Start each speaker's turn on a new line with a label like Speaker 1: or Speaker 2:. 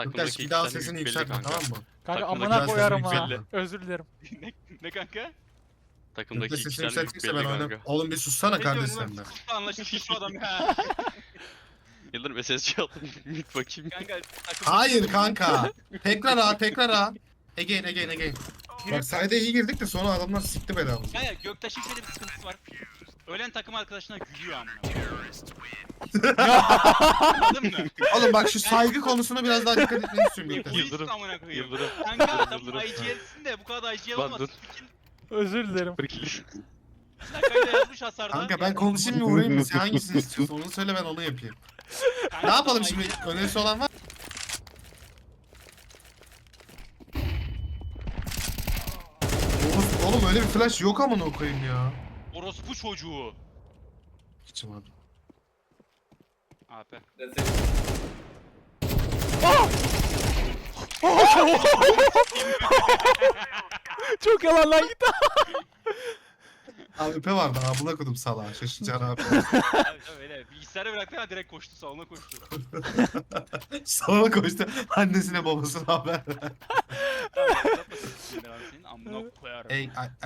Speaker 1: Takımdaki
Speaker 2: bir
Speaker 1: iki
Speaker 2: daha
Speaker 1: tane
Speaker 2: sesini
Speaker 1: belli
Speaker 2: yükseltme,
Speaker 1: kanka.
Speaker 2: tamam mı?
Speaker 3: Kanka
Speaker 1: Takımdaki
Speaker 3: amına koyarım
Speaker 2: sesini
Speaker 3: ha.
Speaker 2: yükseltme.
Speaker 3: Özür dilerim.
Speaker 4: Ne kanka?
Speaker 1: Takımdaki
Speaker 2: Sesini
Speaker 1: iki tane
Speaker 2: yükseltecekse ben
Speaker 1: belli
Speaker 2: oynarım.
Speaker 1: kanka.
Speaker 2: Oğlum bir sussana
Speaker 4: Ne
Speaker 2: kardeş
Speaker 4: diyorsun
Speaker 2: sen de.
Speaker 4: lan? Sus anlaşılmış şu adam ya.
Speaker 1: Yıldırım SSC aldım. Mid bakayım.
Speaker 4: Kanka takım.
Speaker 2: Hayır kanka. Tekrar A, tekrar A. Again. Bak sayda iyi girdik de sonra adamlar sikti belamızı.
Speaker 4: Kanka Göktaş'ın şöyle bir sıkıntısı var. Ölen takım arkadaşına gülüyor amına. Anladın mı?
Speaker 2: Oğlum bak şu saygı konusuna biraz daha dikkat etmeni istiyorum Göktaş.
Speaker 1: Yıldırım,
Speaker 4: Egoist amına koyayım.
Speaker 1: Yıldırım.
Speaker 4: Kanka tamam
Speaker 1: Yıldırım.
Speaker 4: IGL'sin de bu kadar IGL
Speaker 1: Lan
Speaker 4: olmaz.
Speaker 1: dur.
Speaker 3: Özür dilerim.
Speaker 4: Dakikayı da yazmış hasarda.
Speaker 2: Kanka ben konuşayım mı vurayım mı? Sen hangisini istiyorsun? Onu söyle ben onu yapayım.
Speaker 4: Kanka,
Speaker 2: Ne yapalım
Speaker 4: tamam,
Speaker 2: şimdi?
Speaker 4: IGL
Speaker 2: Önerisi olan var? Oğlum öyle bir flash yok amına koyayım ya.
Speaker 4: Orospu çocuğu.
Speaker 2: Hiçim abi.
Speaker 4: AP.
Speaker 3: Çok yalan lan git.
Speaker 2: Abi öpe vardı abuna kodum salağa. Şaşıracaksın abi.
Speaker 4: Tabii öyle. Bilgisayarı bıraktı ama direkt koştu salona koştu.
Speaker 2: Salona koştu. Annesine babasına haber.
Speaker 4: Tamam, uzatmasın. Senin amına koyarım.
Speaker 2: Ey,